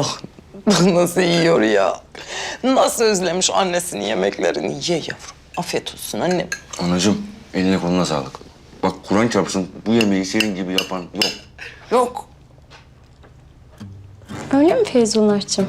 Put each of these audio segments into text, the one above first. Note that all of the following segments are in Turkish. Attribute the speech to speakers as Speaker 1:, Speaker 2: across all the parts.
Speaker 1: Bak nasıl yiyor ya. Nasıl özlemiş annesinin yemeklerini. Ye yavrum. Afiyet olsun annem.
Speaker 2: Anacığım, eline koluna sağlık. Bak Kur'an çarpsın, bu yemeği senin gibi yapan yok.
Speaker 1: Yok.
Speaker 3: Öyle mi Feyzullah'cığım?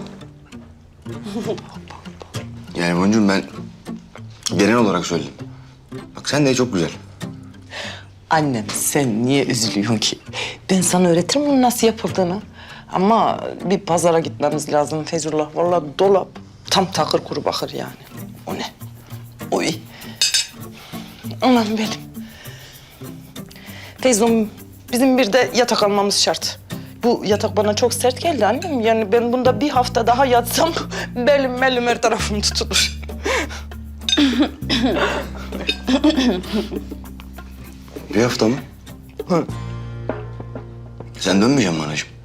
Speaker 2: Yani Boncuğum ben genel olarak söyledim. Bak sen de çok güzel.
Speaker 1: Annem sen niye üzülüyorsun ki? Ben sana öğretirim bunu nasıl yapıldığını. Ama bir pazara gitmemiz lazım Feyzullah. Vallahi dolap tam takır kuru bakır yani. O ne? Oy. Anam benim. Feyzum bizim bir de yatak almamız şart. Bu yatak bana çok sert geldi annem. Yani ben bunda bir hafta daha yatsam belim her tarafım tutulur.
Speaker 2: Bir hafta mı?
Speaker 1: Hı.
Speaker 2: Sen dönmeyeceksin mi anacığım?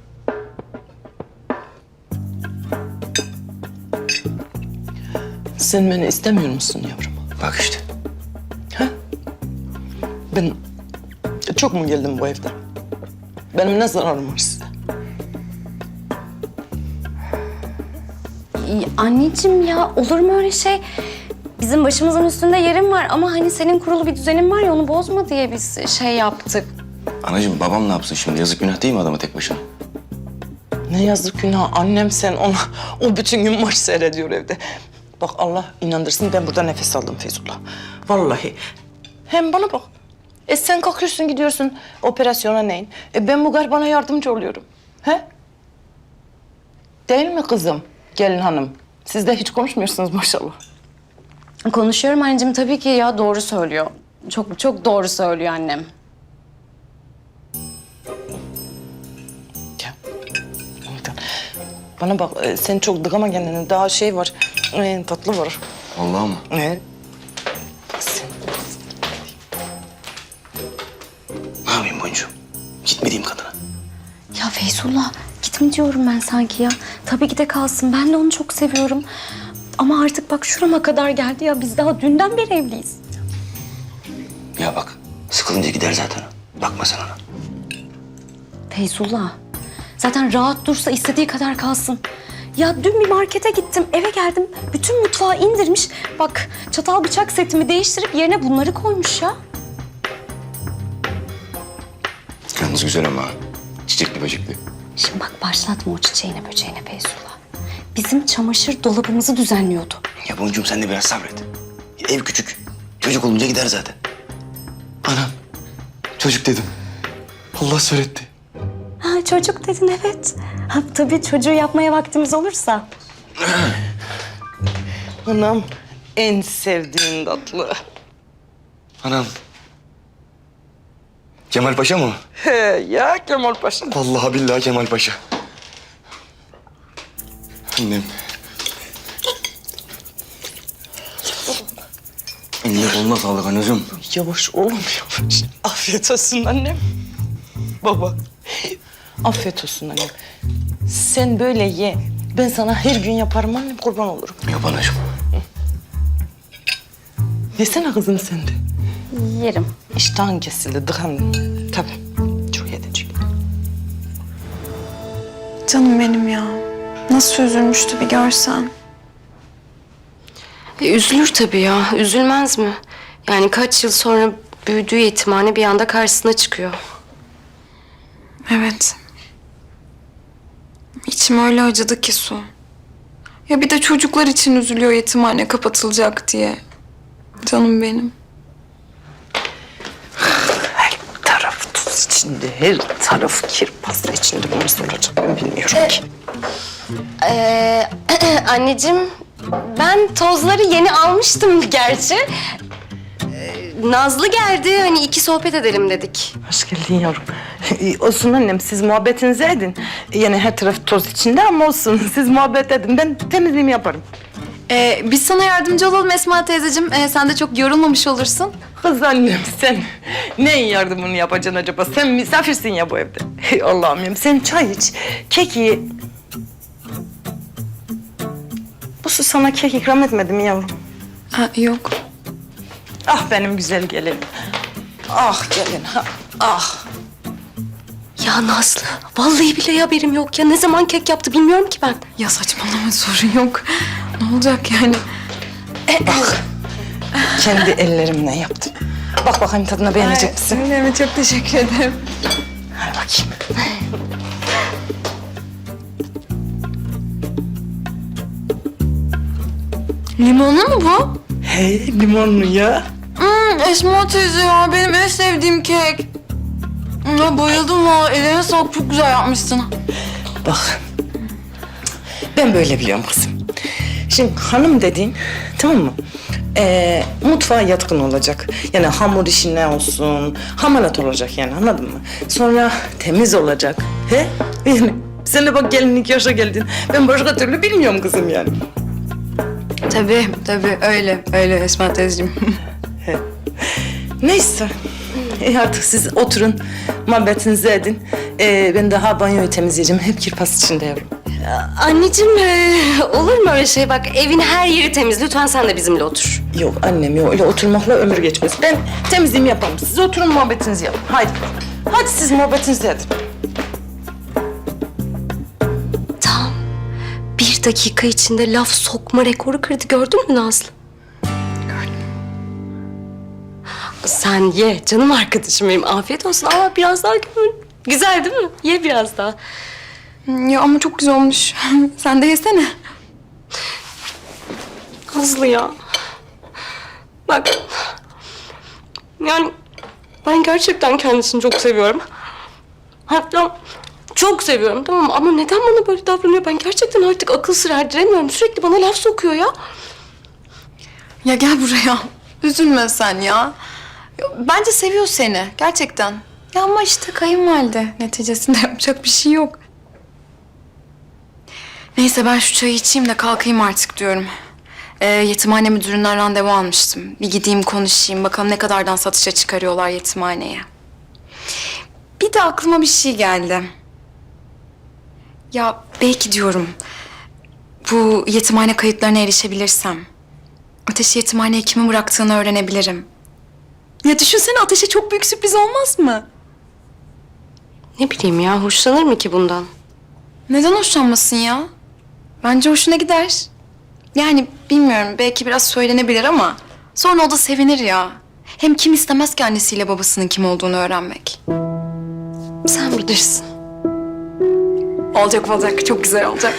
Speaker 1: Sen beni istemiyor musun yavrum?
Speaker 2: Bak işte.
Speaker 1: Ben çok mu geldim bu evden? Benim ne zararım var size?
Speaker 3: Anneciğim ya olur mu öyle şey? Bizim başımızın üstünde yerin var ama hani senin kurulu bir düzenin var ya onu bozma diye biz şey yaptık.
Speaker 2: Anacığım babam ne yapsın şimdi? Yazık günah değil mi adama tek başına?
Speaker 1: Ne yazık günah annem sen ona o bütün gün maç seyrediyor evde. Bak Allah inandırsın ben burada nefes aldım Feyzullah. Vallahi. Hem bana bak. Sen kalkıyorsun gidiyorsun operasyona neyin? Ben bu garbana yardımcı oluyorum. He? Değil mi kızım? Gelin hanım. Siz de hiç konuşmuyorsunuz maşallah.
Speaker 3: Konuşuyorum anneciğim tabii ki ya doğru söylüyor. Çok çok doğru söylüyor annem.
Speaker 1: Ya. Bana bak sen çok dıkama kendini. Daha şey var. Tatlı var.
Speaker 2: Vallahi mı?
Speaker 1: Evet. Sen...
Speaker 2: Ne yapayım Boncuğum? Gitmediğim kadına.
Speaker 3: Ya Feyzullah gitme diyorum ben sanki ya. Tabii ki de kalsın ben de onu çok seviyorum. Ama artık bak şurama kadar geldi ya biz daha dünden beri evliyiz.
Speaker 2: Ya bak, sıkılınca gider zaten. Bakma sen ona.
Speaker 3: Feyzullah zaten rahat dursa istediği kadar kalsın. Ya dün bir markete gittim eve geldim bütün mutfağı indirmiş. Bak çatal bıçak setimi değiştirip yerine bunları koymuş ya.
Speaker 2: Yalnız güzel ama. Çiçekli böcekli.
Speaker 3: Şimdi bak başlatma o çiçeğine böceğine Feyzullah. Bizim çamaşır dolabımızı düzenliyordu.
Speaker 2: Ya Boncuğum sen de biraz sabret. Ev küçük. Çocuk olunca gider zaten. Anam. Çocuk dedim. Allah söyletti.
Speaker 3: Ha çocuk dedin evet. Ha, tabii çocuğu yapmaya vaktimiz olursa.
Speaker 1: Anam en sevdiğin tatlı.
Speaker 2: Anam. Kemal Paşa mı?
Speaker 1: He ya Kemal Paşa.
Speaker 2: Vallahi billahi Kemal Paşa. Annem. Eline koluna sağlık anacığım.
Speaker 1: Yavaş oğlum yavaş. Afiyet olsun annem. Baba. Afiyet olsun annem. Sen böyle ye. Ben sana her gün yaparım annem kurban olurum.
Speaker 2: Yap anacığım.
Speaker 1: Yesene kızım sen de.
Speaker 3: Yerim.
Speaker 1: İştahın kesildi dıkan. Tabii çok yedecek.
Speaker 4: Canım benim ya. Nasıl üzülmüştü bir görsen.
Speaker 5: Üzülür tabii ya. Üzülmez mi? Yani kaç yıl sonra büyüdüğü yetimhane bir anda karşısına çıkıyor.
Speaker 4: Evet. İçim öyle acıdı ki Su. Ya bir de çocuklar için üzülüyor yetimhane kapatılacak diye. Canım benim.
Speaker 1: Her taraf tuz içinde, her taraf kirpas içinde. Bu nasıl olacak ben bilmiyorum ki.
Speaker 5: Anneciğim, ben tozları yeni almıştım gerçi. Nazlı geldi, hani iki sohbet edelim dedik.
Speaker 1: Hoş geldin yavrum. Olsun annem, siz muhabbetinizi edin. Yani her taraf toz içinde ama olsun. Siz muhabbet edin, ben temizliğimi yaparım.
Speaker 6: Biz sana yardımcı olalım Esma teyzeciğim. Sen de çok yorulmamış olursun.
Speaker 1: Kız annem, sen neyin yardımını yapacaksın acaba? Sen misafirsin ya bu evde. Allah'ım ya, sen çay iç, kek ye. Bu su sana kek ikram etmedi mi yavrum?
Speaker 4: Ha, yok.
Speaker 1: Ah benim güzel gelinim. Ah gelin, ha, ah.
Speaker 5: Ya Nazlı, vallahi bile haberim yok ya. Ne zaman kek yaptı bilmiyorum ki ben.
Speaker 4: Ya saçmalama, sorun yok. Ne olacak yani?
Speaker 1: Bak, kendi ellerimle yaptım. Bak bakayım tadına beğenecek misin?
Speaker 4: Öyle mi? Çok teşekkür ederim.
Speaker 1: Ver bakayım.
Speaker 4: Limonlu mu bu?
Speaker 1: Hey, limonlu ya.
Speaker 4: Esma teyze ya, benim en sevdiğim kek. Ya bayıldım valla, eline sağlık, çok güzel yapmışsın.
Speaker 1: Bak, ben böyle biliyorum kızım. Şimdi hanım dediğin, tamam mı? Mutfağa yatkın olacak. Yani hamur işi ne olsun, hamarat olacak yani, anladın mı? Sonra temiz olacak. He? Yani sen de bak gelinlik yaşa geldin. Ben başka türlü bilmiyorum kızım yani.
Speaker 4: Tabii öyle Esma teyzeciğim.
Speaker 1: Neyse. Artık siz oturun, muhabbetinizi edin. Ben daha banyoyu temizleyeceğim. Hep kirpas içinde yavrum.
Speaker 5: Anneciğim, olur mu öyle şey? Bak evin her yeri temiz. Lütfen sen de bizimle otur.
Speaker 1: Yok annem yok. Öyle oturmakla ömür geçmez. Ben temizliğimi yaparım. Siz oturun muhabbetinizi yapın. Haydi. Hadi siz muhabbetinizi edin.
Speaker 5: Tam 1 dakika içinde laf sokma rekoru kırdı. Gördün mü Nazlı? Sen ye canım arkadaşım benim. Afiyet olsun ama biraz daha güzel değil mi? Ye biraz daha.
Speaker 4: Ya ama çok güzel olmuş. Sen de yesene.
Speaker 5: Nazlı ya. Bak. Yani ben gerçekten kendisini çok seviyorum. Hatta çok seviyorum, tamam mı? Ama neden bana böyle davranıyor? Ben gerçekten artık akıl sır erdiremiyorum. Sürekli bana laf sokuyor ya.
Speaker 4: Ya gel buraya. Üzülme sen ya. Bence seviyor seni gerçekten. Ya ama işte kayınvalide. Neticesinde yapacak bir şey yok. Neyse ben şu çayı içeyim de kalkayım artık diyorum. Yetimhane müdüründen randevu almıştım. Bir gideyim konuşayım. Bakalım ne kadardan satışa çıkarıyorlar yetimhaneye. Bir de aklıma bir şey geldi. Ya belki diyorum bu yetimhane kayıtlarına erişebilirsem Ateş'i yetimhaneye kimin bıraktığını öğrenebilirim. Ya düşünsene, Ateş'e çok büyük sürpriz olmaz mı?
Speaker 5: Ne bileyim ya, hoşlanır mı ki bundan?
Speaker 4: Neden hoşlanmasın ya? Bence hoşuna gider. Yani bilmiyorum, belki biraz söylenebilir ama sonra o da sevinir ya. Hem kim istemez ki annesiyle babasının kim olduğunu öğrenmek.
Speaker 5: Sen bilirsin.
Speaker 4: Olacak, çok güzel olacak.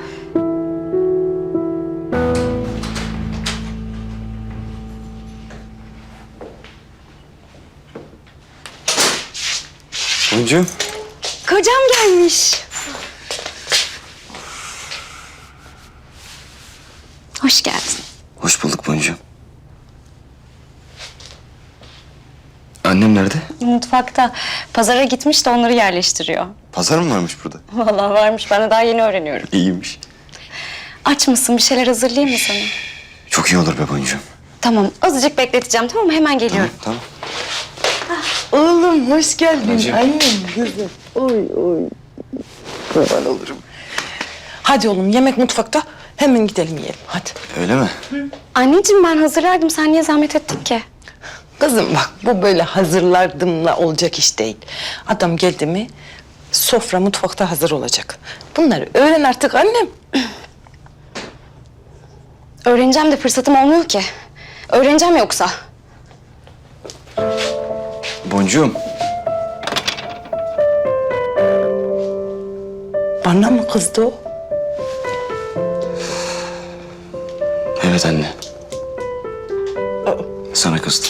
Speaker 2: Boncuğum.
Speaker 5: Kocam gelmiş. Hoş geldin.
Speaker 2: Hoş bulduk Boncuğum. Annem nerede?
Speaker 3: Mutfakta. Pazara gitmiş de onları yerleştiriyor.
Speaker 2: Pazar mı varmış burada?
Speaker 3: Vallahi varmış. Ben de daha yeni öğreniyorum.
Speaker 2: İyiymiş.
Speaker 3: Aç mısın? Bir şeyler hazırlayayım mı sana?
Speaker 2: Çok iyi olur be Boncuğum.
Speaker 3: Tamam. Azıcık bekleteceğim, tamam mı? Hemen geliyorum.
Speaker 2: Tamam.
Speaker 1: Oğlum hoş geldin.
Speaker 2: Anneciğim.
Speaker 1: Annem kızım. Oy. Kurban olurum. Hadi oğlum yemek mutfakta. Hemen gidelim yiyelim. Hadi.
Speaker 2: Öyle mi?
Speaker 3: Anneciğim ben hazırlardım. Sen niye zahmet ettin ki?
Speaker 1: Kızım bak bu böyle hazırlardımla olacak iş değil. Adam geldi mi sofra mutfakta hazır olacak. Bunları öğren artık annem.
Speaker 3: Öğreneceğim de fırsatım olmuyor ki. Öğreneceğim yoksa.
Speaker 2: Boncuğum.
Speaker 1: Bana mı kızdı o?
Speaker 2: Evet anne. Sana kızdım.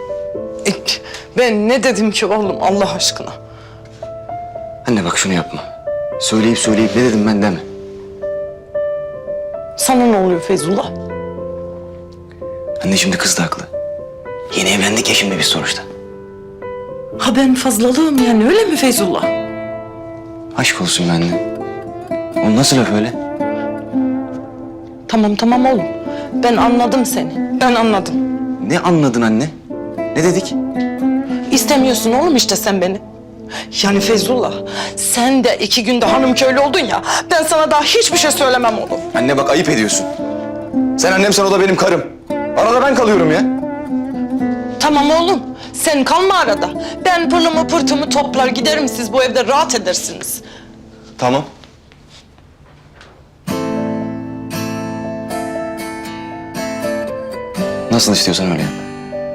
Speaker 1: Ben ne dedim ki oğlum Allah aşkına?
Speaker 2: Anne bak şunu yapma. Söyleyip ne dedim ben deme.
Speaker 1: Sana ne oluyor Feyzullah?
Speaker 2: Anne şimdi kız da haklı. Yeni evlendik ya şimdi biz sonuçta.
Speaker 1: Ha ben fazlalığım yani öyle mi Feyzullah?
Speaker 2: Aşk olsun be anne. O nasıl laf öyle?
Speaker 1: Tamam oğlum. Ben anladım seni. Ben anladım.
Speaker 2: Ne anladın anne? Ne dedik?
Speaker 1: İstemiyorsun oğlum işte sen beni. Yani Feyzullah sen de 2 günde hanım köylü oldun ya. Ben sana daha hiçbir şey söylemem oğlum.
Speaker 2: Anne bak ayıp ediyorsun. Sen annemsen o da benim karım. Arada ben kalıyorum ya.
Speaker 1: Tamam oğlum. Sen kalma arada. Ben pılımı pırtımı toplar giderim, siz bu evde rahat edersiniz.
Speaker 2: Tamam. Nasıl istiyorsan öyle yap.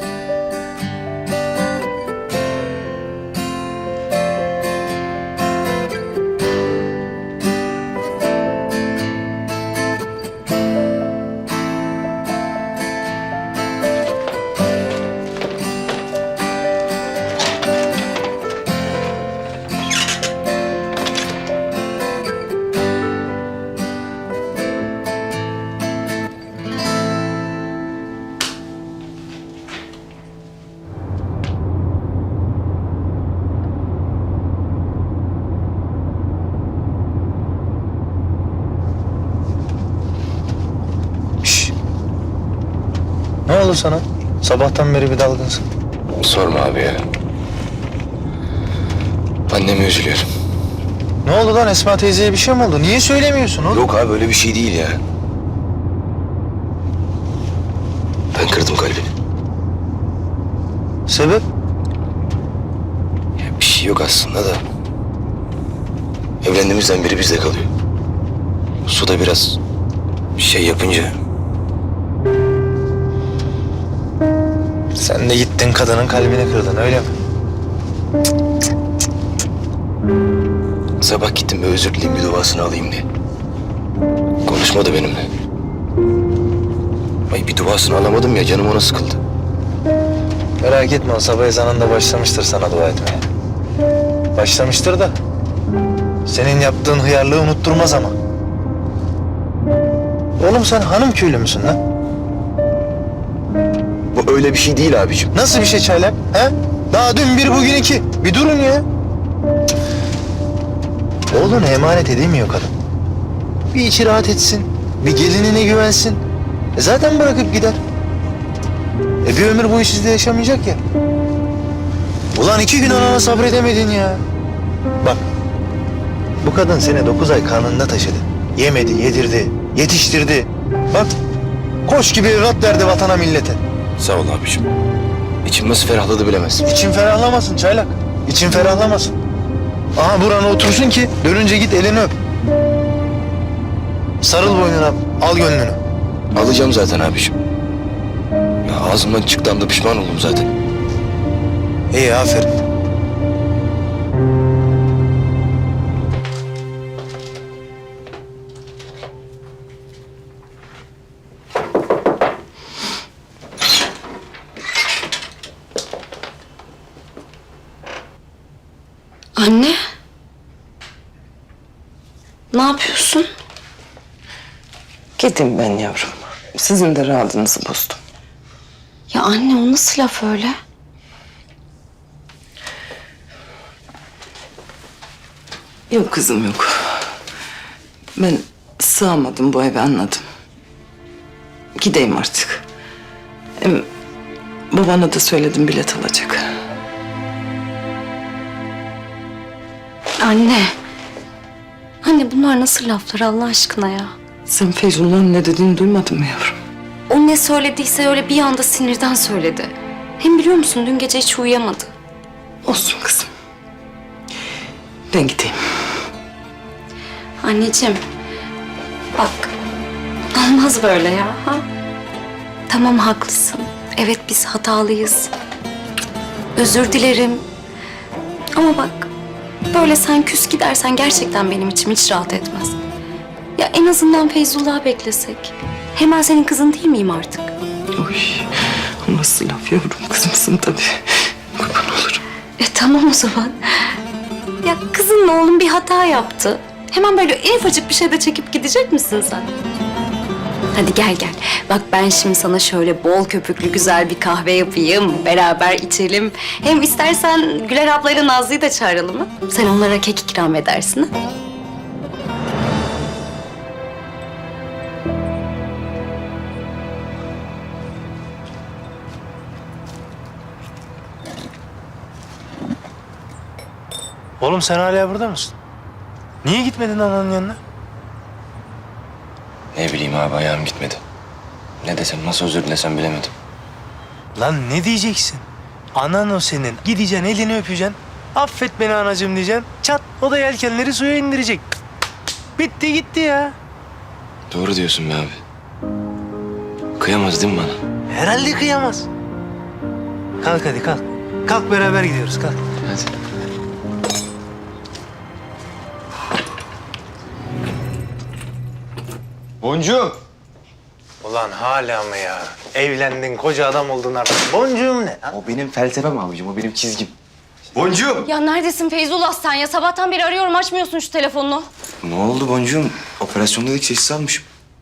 Speaker 7: Ne oldu sana? Sabahtan beri bir dalgınsın.
Speaker 8: Sorma abi ya. Anneme üzülüyorum.
Speaker 7: Ne oldu lan, Esma teyzeye bir şey mi oldu? Niye söylemiyorsun oğlum?
Speaker 8: Yok abi öyle bir şey değil ya. Ben kırdım kalbini.
Speaker 7: Sebep?
Speaker 8: Ya bir şey yok aslında da. Evlendiğimizden beri bizde kalıyor. Suda biraz şey yapınca
Speaker 7: Sen de gittin kadının kalbini kırdın, öyle mi?
Speaker 8: sabah gittim bir özür dileyim bir duasını alayım diye. Konuşmadı benimle. Ay bir duasını alamadım ya canım ona sıkıldı.
Speaker 7: Merak etme, o sabah ezanında başlamıştır sana dua etmeye. Başlamıştır da senin yaptığın hıyarlığı unutturmaz ama. Oğlum sen hanım köylü müsün lan?
Speaker 8: Bu öyle bir şey değil abicim.
Speaker 7: Nasıl bir şey Çaylak? He? Daha dün bir bugün iki. Bir durun ya. Oğlunu emanet edemiyor kadın. Bir içi rahat etsin. Bir gelinine güvensin. Zaten bırakıp gider. Bir ömür boyu sizde yaşamayacak ya. Ulan 2 gün anana sabredemedin ya. Bak. Bu kadın seni 9 ay karnında taşıdı. Yemedi, yedirdi, yetiştirdi. Bak. Koş gibi evlat verdi vatana millete.
Speaker 8: Sağ ol abicim. İçim nasıl ferahladı bilemezsin.
Speaker 7: İçin ferahlamasın Çaylak. İçin ferahlamasın. Aha burana otursun ki dönünce git elini öp. Sarıl boynuna, al gönlünü.
Speaker 8: Alacağım zaten abicim. Ya ağzımdan çıktı anda pişman oldum zaten.
Speaker 7: İyi, aferin.
Speaker 3: Anne. Ne yapıyorsun?
Speaker 1: Gidin ben yavrum. Sizin de rahatınızı bozdum.
Speaker 3: Ya anne, o nasıl laf öyle?
Speaker 1: Yok kızım yok. Ben sığamadım bu eve, anladım. Gideyim artık. Hem babana da söyledim, bilet alacak.
Speaker 3: Anne. Anne, bunlar nasıl laflar Allah aşkına ya?
Speaker 1: Sen Feyzullah'ın ne dediğini duymadın mı yavrum?
Speaker 3: O ne söylediyse öyle bir anda sinirden söyledi. Hem biliyor musun, dün gece hiç uyuyamadı.
Speaker 1: Olsun kızım. Ben gideyim.
Speaker 3: Anneciğim, bak, olmaz böyle ya. Ha? Tamam, haklısın. Evet, biz hatalıyız. Özür dilerim. Ama bak, böyle sen küs gidersen gerçekten benim içim hiç rahat etmez. Ya en azından Feyzullah'ı beklesek. Hemen senin kızın değil miyim artık?
Speaker 1: Oy, o nasıl laf yavrum, kızımsın tabii. Kurban olurum.
Speaker 3: Tamam o zaman. Ya kızınla oğlum bir hata yaptı. Hemen böyle en ufacık bir şeyde çekip gidecek misin sen? Hadi gel gel. Bak ben şimdi sana şöyle bol köpüklü güzel bir kahve yapayım. Beraber içelim. Hem istersen Güler ablayla Nazlı'yı da çağıralım mı? Sen onlara kek ikram edersin ha?
Speaker 7: Oğlum sen hala burada mısın? Niye gitmedin ananın yanına?
Speaker 8: Ne bileyim abi ayağım gitmedi. Ne desem nasıl özür dilesem bilemedim.
Speaker 7: Lan ne diyeceksin? Anan o senin. Gideceksin elini öpeceksin. Affet beni anacığım diyeceksin. Çat o da yelkenleri suya indirecek. Bitti gitti ya.
Speaker 8: Doğru diyorsun be abi. Kıyamaz değil mi bana?
Speaker 7: Herhalde kıyamaz. Kalk hadi kalk. Kalk beraber gidiyoruz kalk.
Speaker 8: Hadi. Boncuğum.
Speaker 7: Ulan hala mı ya? Evlendin, koca adam oldun artık. Boncuğum ne?
Speaker 2: O benim felsefem abicim, o benim çizgim. Boncuğum.
Speaker 5: Ya neredesin Feyzullah sen ya? Sabahtan beri arıyorum açmıyorsun şu telefonunu.
Speaker 8: Ne oldu boncuğum? Operasyonda ilk sessiz almışım.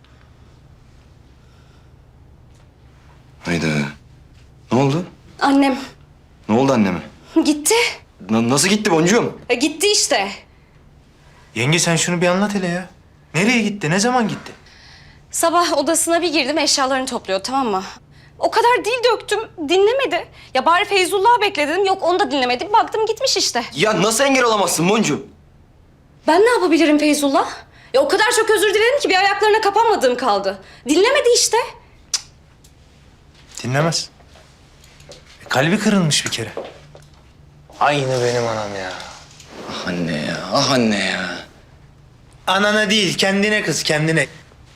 Speaker 8: Hayda. Ne oldu?
Speaker 5: Annem
Speaker 8: Ne oldu anneme?
Speaker 5: gitti.
Speaker 8: Nasıl gitti boncuğum?
Speaker 5: Gitti işte.
Speaker 7: Yenge sen şunu bir anlat hele ya. Nereye gitti? Ne zaman gitti?
Speaker 5: Sabah odasına bir girdim eşyalarını topluyor tamam mı? O kadar dil döktüm dinlemedi. Ya bari Feyzullah'ı bekle dedim. Yok onu da dinlemedi. Baktım gitmiş işte.
Speaker 8: Ya nasıl engel olamazsın boncuğum?
Speaker 5: Ben ne yapabilirim Feyzullah? Ya o kadar çok özür diledim ki bir ayaklarına kapanmadığım kaldı. Dinlemedi işte.
Speaker 7: Dinlemez. Kalbi kırılmış bir kere. Aynı benim anam ya.
Speaker 8: Ah anne ya, ah anne ya.
Speaker 7: Anana değil, kendine kız, kendine.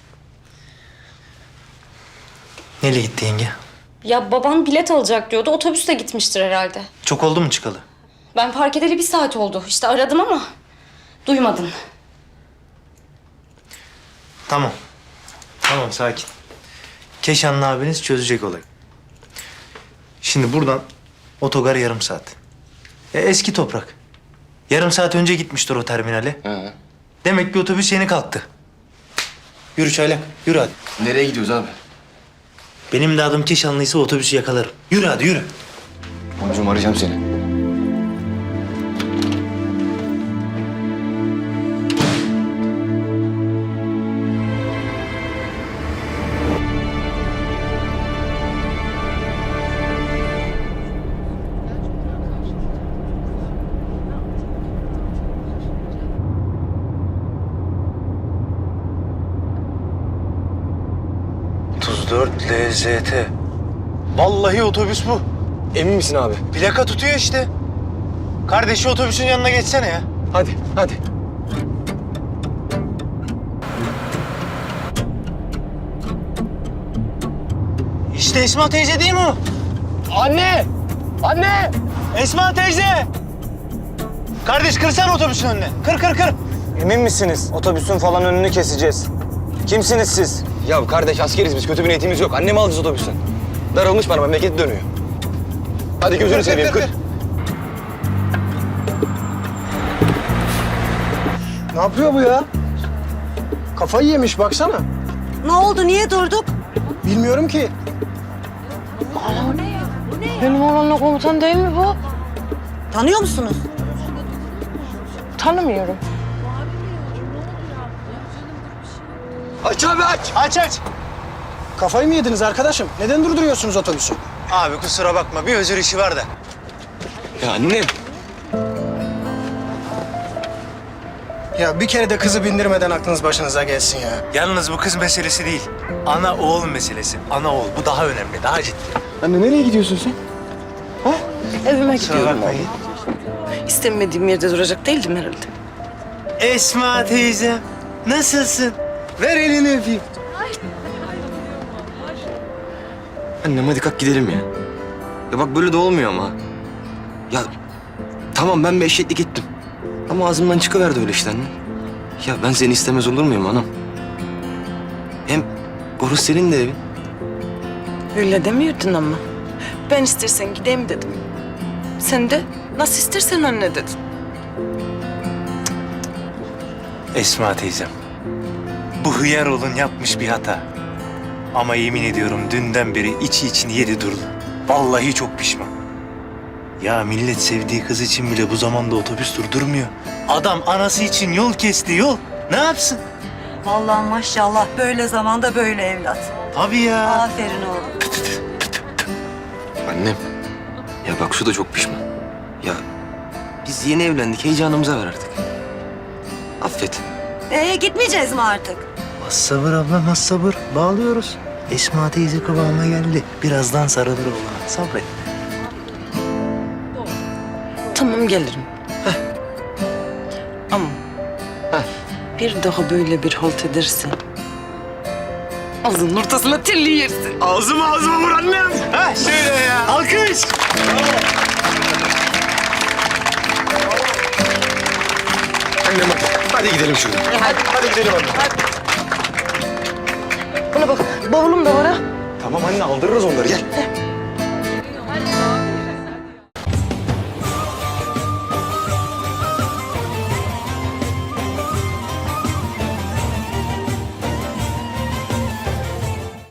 Speaker 7: Nereye gitti yenge?
Speaker 5: Ya baban bilet alacak diyordu. Otobüsle gitmiştir herhalde.
Speaker 7: Çok oldu mu çıkalı?
Speaker 5: Ben fark edeli 1 saat oldu. İşte aradım ama duymadın.
Speaker 7: Tamam. Tamam, sakin. Keşanlı abiniz çözecek olayı. Şimdi buradan otogar yarım saat. Eski toprak. Yarım saat önce gitmiştir o terminale.
Speaker 8: Ha.
Speaker 7: Demek ki otobüs yeni kalktı. Yürü Çaylak, yürü hadi.
Speaker 8: Nereye gidiyoruz abi?
Speaker 7: Benim de adım Keşanlıysa otobüsü yakalarım. Yürü hadi, yürü.
Speaker 8: Boncuğum arayacağım seni.
Speaker 7: LZT. Vallahi otobüs bu.
Speaker 8: Emin misin abi?
Speaker 7: Plaka tutuyor işte. Kardeşi otobüsün yanına geçsene ya.
Speaker 8: Hadi, hadi.
Speaker 7: İşte Esma teyze değil mi o?
Speaker 8: Anne! Anne!
Speaker 7: Esma teyze! Kardeş kırsana otobüsün önüne. Kır kır kır.
Speaker 9: Emin misiniz? Otobüsün falan önünü keseceğiz. Kimsiniz siz?
Speaker 8: Ya kardeş askeriz biz, kötü bir niyetimiz yok. Annemi alacağız otobüsten. Darılmış bana, memleket dönüyor. Hadi gözünü seveyim, kır.
Speaker 9: Ne yapıyor bu ya? Kafayı yemiş baksana.
Speaker 10: Ne oldu? Niye durduk?
Speaker 9: Bilmiyorum ki.
Speaker 1: Benim oğlanla komutan değil mi bu?
Speaker 10: Tanıyor musunuz?
Speaker 1: Tanımıyorum.
Speaker 8: Aç abi aç!
Speaker 9: Aç aç. Kafayı mı yediniz arkadaşım? Neden durduruyorsunuz otobüsü?
Speaker 7: Abi kusura bakma, bir özür işi var da.
Speaker 8: Ya annem!
Speaker 9: Ya bir kere de kızı bindirmeden aklınız başınıza gelsin ya.
Speaker 7: Yalnız bu kız meselesi değil. Ana oğul meselesi. Ana oğul. Bu daha önemli, daha ciddi.
Speaker 2: Anne nereye gidiyorsun sen?
Speaker 1: Evime
Speaker 7: Kusura
Speaker 1: gidiyorum
Speaker 7: bakmayın.
Speaker 1: oğlum. İstemediğim yerde duracak değildim herhalde.
Speaker 7: Esma teyze, nasılsın? Ver elini öpeyim.
Speaker 8: Annem hadi kalk gidelim ya. Ya bak böyle de olmuyor ama. Ya tamam ben bir eşeklik ettim. Ama ağzımdan çıkıverdi öyle işte anne. Ya ben seni istemez olur muyum anam? Hem orası senin de evin.
Speaker 1: Öyle demiyordun ama. Ben istersen gideyim dedim. Sen de nasıl istersen anne dedin.
Speaker 7: Esma teyzem, bu hıyar oğlun yapmış bir hata. Ama yemin ediyorum dünden beri içi içini yedi durdu. Vallahi çok pişman. Ya millet sevdiği kız için bile bu zamanda otobüs durdurmuyor. Adam anası için yol kesti yol. Ne yapsın?
Speaker 10: Vallahi maşallah böyle zamanda böyle evlat.
Speaker 7: Tabii ya.
Speaker 10: Aferin oğlum.
Speaker 8: Annem. Ya bak şu da çok pişman. Ya biz yeni evlendik, heyecanımıza ver artık. Affet.
Speaker 10: Gitmeyeceğiz mi artık?
Speaker 7: Az sabır ablam, az sabır. Bağlıyoruz. Esma teyze kıvama geldi. Birazdan sarılır oğlana. Sabret.
Speaker 1: Tamam gelirim. Ama bir daha böyle bir halt edersen ağzının ortasına telli yersin.
Speaker 2: Ağzıma vur annem. Ha şöyle ya. Alkış.
Speaker 8: Annem hadi gidelim şuradan.
Speaker 2: Hadi gidelim anne.
Speaker 1: Bana bak bavulum da var ha.
Speaker 2: Tamam anne aldırırız onları gel.